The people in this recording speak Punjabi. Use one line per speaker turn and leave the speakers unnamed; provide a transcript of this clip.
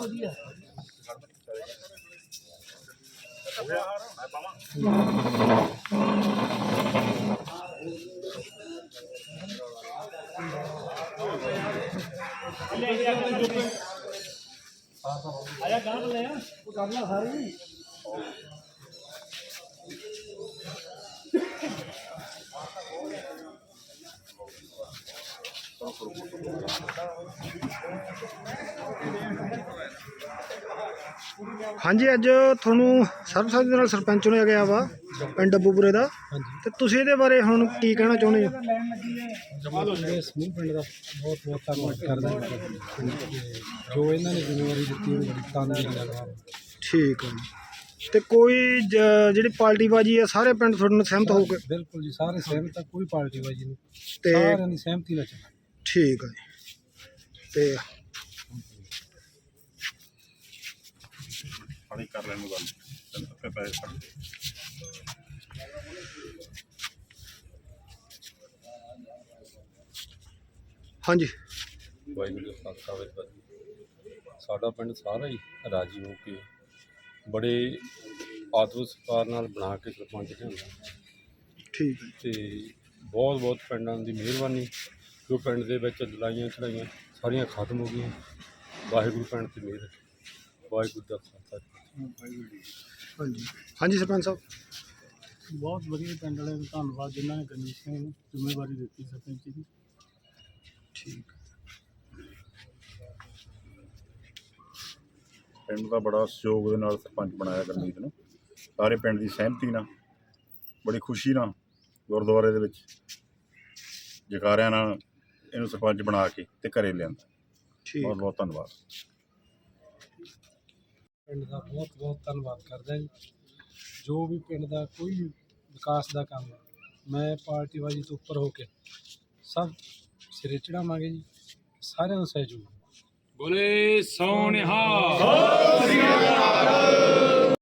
ਹਾਂਜੀ, ਅੱਜ ਤੁਹਾਨੂੰ ਸਰਬਸੰਮਤੀ ਦੇ ਨਾਲ ਸਰਪੰਚ ਚੁਣਿਆ ਗਿਆ ਵਾ ਪਿੰਡ ਡੱਬੂਪੁਰੇ ਦਾ। ਤੇ ਤੁਸੀਂ ਇਹਦੇ ਬਾਰੇ ਹੁਣ ਕੀ ਕਹਿਣਾ ਚਾਹੁੰਦੇ ਹੋ?
ਸਮੂਹ ਪਿੰਡ ਦਾ ਬਹੁਤ ਬਹੁਤ ਧੰਨਵਾਦ ਕਰਦਾ ਜੋ ਇਹਨਾਂ ਨੇ ਜ਼ਿੰਮੇਵਾਰੀ ਦਿੱਤੀ ਉਹ ਬੜੀ ਤਨਦੇਹੀ ਨਾਲ।
ਠੀਕ ਹੈ ਜੀ। ਤੇ ਕੋਈ ਜਿਹੜੀ ਪਾਰਟੀਬਾਜੀ ਹੈ ਸਾਰੇ ਪਿੰਡ ਤੁਹਾਡੇ ਨਾਲ ਸਹਿਮਤ ਹੋ ਕੇ?
ਬਿਲਕੁਲ ਜੀ, ਸਾਰੇ ਸਹਿਮਤ ਆ, ਕੋਈ ਪਾਰਟੀਬਾਜੀ ਨਹੀਂ,
ਤੇ
ਸਾਰਿਆਂ ਦੀ ਸਹਿਮਤੀ ਨਾਲ ਚੱਲਣਾ।
ਠੀਕ ਹੈ ਜੀ। ਤੇ
ਕਰ ਲੈਣ ਨੂੰ ਗੱਲ ਪੈਸੇ
ਹਾਂਜੀ,
ਵਾਹਿਗੁਰੂ ਜੀ ਕਾ ਖਾਲਸਾ ਵਾਹਿਗੁਰੂ ਜੀ। ਸਾਡਾ ਪਿੰਡ ਸਾਰਾ ਹੀ ਰਾਜੀ ਹੋ ਕੇ ਬੜੇ ਆਦਰ ਸਤਿਕਾਰ ਨਾਲ ਬਣਾ ਕੇ ਸਰਪੰਚ ਲਿਆਂਦਾ।
ਠੀਕ ਹੈ।
ਤੇ ਬਹੁਤ ਬਹੁਤ ਪਿੰਡਾਂ ਦੀ ਮਿਹਰਬਾਨੀ ਜੋ ਪਿੰਡ ਦੇ ਵਿੱਚ ਲੜਾਈਆਂ ਝੜਾਈਆਂ ਸਾਰੀਆਂ ਖਤਮ ਹੋ ਗਈਆਂ। ਵਾਹਿਗੁਰੂ ਪਿੰਡ 'ਤੇ ਮਿਹਰ, ਵਾਹਿਗੁਰੂ ਦਾ ਖਾਲਸਾ।
ਹਾਂਜੀ ਹਾਂਜੀ ਸਰਪੰਚ ਸਾਹਿਬ,
ਬਹੁਤ ਵਧੀਆ ਪਿੰਡ ਵਾਲਿਆਂ ਦਾ ਧੰਨਵਾਦ ਜਿਨ੍ਹਾਂ ਨੇ ਗਣੇਸ਼ ਸਿੰਘ ਨੂੰ ਜ਼ਿੰਮੇਵਾਰੀ ਦਿੱਤੀ ਸਰਪੰਚ ਦੀ।
ਠੀਕ।
ਪਿੰਡ ਦਾ ਬੜਾ ਸਹਿਯੋਗ ਦੇ ਨਾਲ ਸਰਪੰਚ ਬਣਾਇਆ ਗੁਰਮੀਤ ਨੂੰ, ਸਾਰੇ ਪਿੰਡ ਦੀ ਸਹਿਮਤੀ ਨਾਲ, ਬੜੀ ਖੁਸ਼ੀ ਨਾਲ ਗੁਰਦੁਆਰੇ ਦੇ ਵਿੱਚ ਜਕਾਰਿਆਂ ਨਾਲ ਇਹਨੂੰ ਸਰਪੰਚ ਬਣਾ ਕੇ ਤੇ ਘਰੇ ਲਿਆਂਦਾ। ਬਹੁਤ ਬਹੁਤ ਧੰਨਵਾਦ।
ਪਿੰਡ ਦਾ ਬਹੁਤ ਬਹੁਤ ਧੰਨਵਾਦ ਕਰਦਾ ਜੀ। ਜੋ ਵੀ ਪਿੰਡ ਦਾ ਕੋਈ ਵਿਕਾਸ ਦਾ ਕੰਮ ਹੈ, ਮੈਂ ਪਾਰਟੀਬਾਜ਼ੀ ਤੋਂ ਉੱਪਰ ਹੋ ਕੇ ਸਭ ਸਿਰੇ ਚੜਾਵਾਂਗੇ ਜੀ। ਸਾਰਿਆਂ ਦਾ ਸਹਿਯੋਗ।
ਬੋਲੇ ਸੋਨਿਹਾਲ।